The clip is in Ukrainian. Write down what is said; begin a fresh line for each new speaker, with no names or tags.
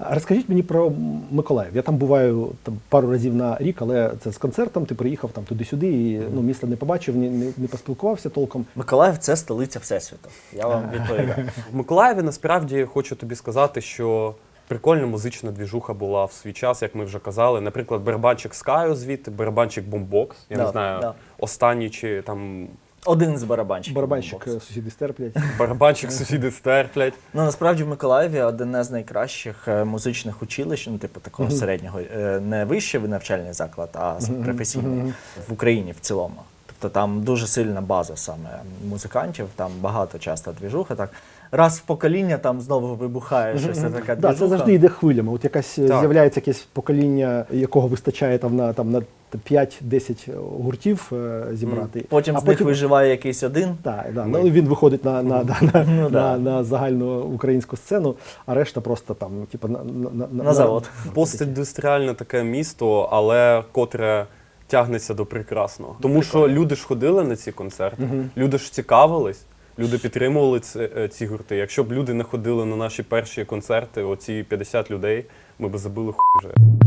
А розкажіть мені про Миколаїв. Я там буваю пару разів на рік, але це з концертом, ти приїхав там туди-сюди і міста не побачив, не поспілкувався толком.
Миколаїв – це столиця Всесвіту. Я вам відповідаю.
В Миколаєві насправді хочу тобі сказати, що прикольна музична двіжуха була в свій час, як ми вже казали. Наприклад, барабанчик Скаю звідти, барабанчик Бумбокс. Я не знаю, останній чи там...
Один з барабанщиків.
Барабанщик сусіди стерплять.
Барабанчик сусіди стерплять.
Ну, насправді в Миколаєві одне з найкращих музичних училищ, ну, типу такого середнього, не вищий навчальний заклад, а професійний в Україні в цілому. Тобто там дуже сильна база саме музикантів, там багато часто двіжуха. Так. Раз в покоління там знову вибухає щось така двіжуха.
Це завжди йде хвилями. От якась з'являється якесь покоління, якого вистачає на 5-10 гуртів зібрати.
Потім з них виживає якийсь один.
Так, ну, він виходить на загальну українську сцену, а решта просто там, типу,
на завод.
Постіндустріальне таке місто, але котре тягнеться до прекрасного. Тому що люди ж ходили на ці концерти, люди ж цікавились, люди підтримували ці гурти. Якщо б люди не ходили на наші перші концерти, оці 50 людей, ми б забили вже.